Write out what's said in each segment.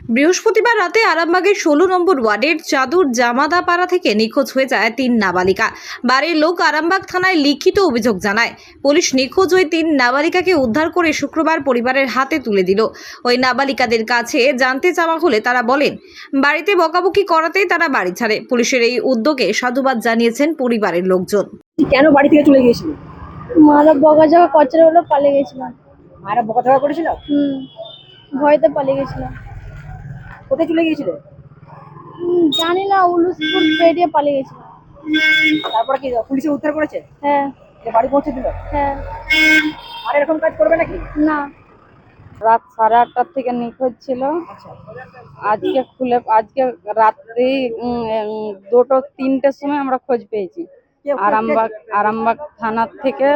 বৃহস্পতিবার রাতে আরামবাগের 16 নম্বর ওয়ার্ডের চাদুর জামাদাপাড়া থেকে নিখোঁজ হয়ে যায় 3 নাবালিকা। বাড়ির লোক আরামবাগ থানায় লিখিত অভিযোগ জানায়। পুলিশ নিখোঁজ ওই 3 নাবালিকাকে উদ্ধার করে শুক্রবার পরিবারের হাতে তুলে দিল। ওই নাবালিকাদের কাছে জানতে চাওয়া হলে তারা বলেন, বাড়িতে বকাবকি করাতেই তারা বাড়ি ছাড়ে। পুলিশের এই উদ্যোগে সাধুবাদ জানিয়েছেন পরিবারের লোকজন। কেন বাড়ি থেকে চলে গিয়েছিল? মারা বকাঝকা করছিল বলে পালিয়ে গেছিলাম। মায়েরা বকাঝকা করেছিল? ভয়তে পালিয়ে গেছিলাম। কোথায় চলে গিয়েছিল? জানি না, উলুসপুর পেরিয়ে পালিয়ে গেছিলাম। তারপরে কি পুলিশে উদ্ধার করেছে? হ্যাঁ যে বাড়ি পৌঁছে দিল? হ্যাঁ। আর এরকম কাজ করবে নাকি? না, রাত 8:30 থেকে নিখোঁজ ছিল। আচ্ছা, আজকে রাত্রি 2-3টের সময় আমরা খোঁজ পেয়েছি। আরামবাগ থানার থেকে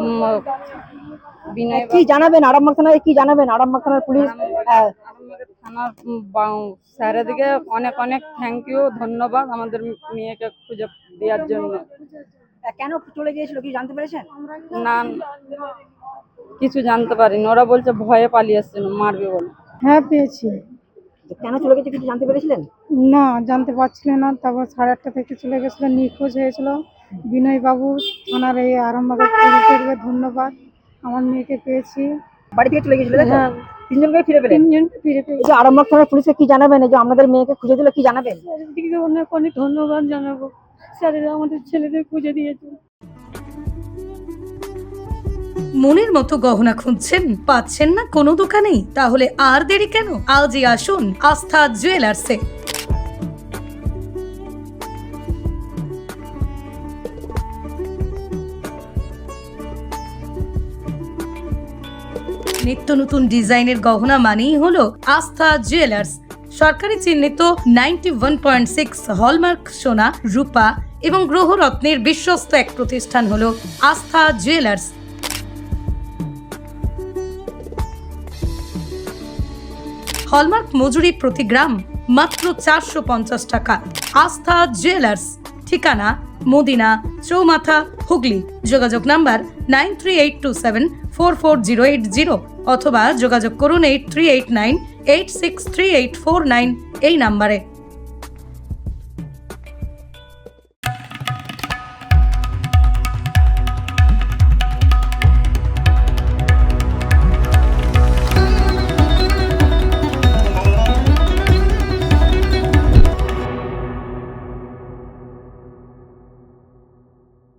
বিনয় কি জানাবেন আরামবাগ থানায়? কি জানাবেন আরামবাগ থানার পুলিশ? আরামবাগ থানার স্যারেদিকে অনেক অনেক থ্যাংক ইউ, ধন্যবাদ আমাদের মেয়েকে খুঁজে দেওয়ার জন্য। কেন চলে গিয়েছিল কি জানতে পেরেছেন? না, কিছু জানতে পারিনি। ওরা বলছে ভয়ে পালিয়ে এসেছিল, মারবে বলে। হ্যাঁ পেয়েছি। কেন চলে গেছে কিছু জানতে পেরেছিলেন? না, জানতে পারছিলেন না। তারপর 8:30 থেকে চলে গেছিল, নিখোঁজ হয়েছিল। বিনয় বাবু থানার এই আরামবাগের পুলিশকে ধন্যবাদ, আমার মেয়েকে পেয়েছি। বাড়ি থেকে চলে গেছিল? হ্যাঁ, তিনজনকে ফিরে পেলেন? 3জন ফিরে এই পেয়েছি। যে আরামবাগ থানার পুলিশকে কি জানাবেন? এই যে আমাদের মেয়েকে খুঁজে দিল, কি জানাবেন? স্যারদিকে অনেক অনেক ধন্যবাদ জানাবো। স্যারেরা আমাদের ছেলেদের খুঁজে দিয়েছে। মনের মতো গহনা খুঁজছেন, পাচ্ছেন না কোনো দোকানেই? তাহলে আর দেরি কেন, আজই আসুন আস্থা জুয়েলার্সে। নিত্য নতুন ডিজাইনের গহনা মানেই হলো আস্থা জুয়েলার্স। সরকারি চিহ্নিত 91.6 হলমার্ক সোনা, রূপা এবং গ্রহরত্নের বিশ্বস্ত এক প্রতিষ্ঠান হলো আস্থা জুয়েলার্স। হলমার্ক মজুরি প্রতি গ্রাম মাত্র 450 টাকা। আস্থা জুয়েলার্স, ঠিকানা মদিনা চৌমাথা, হুগলি। যোগাযোগ নাম্বার 9382744080 অথবা যোগাযোগ করুন 8389863849 এই নাম্বারে।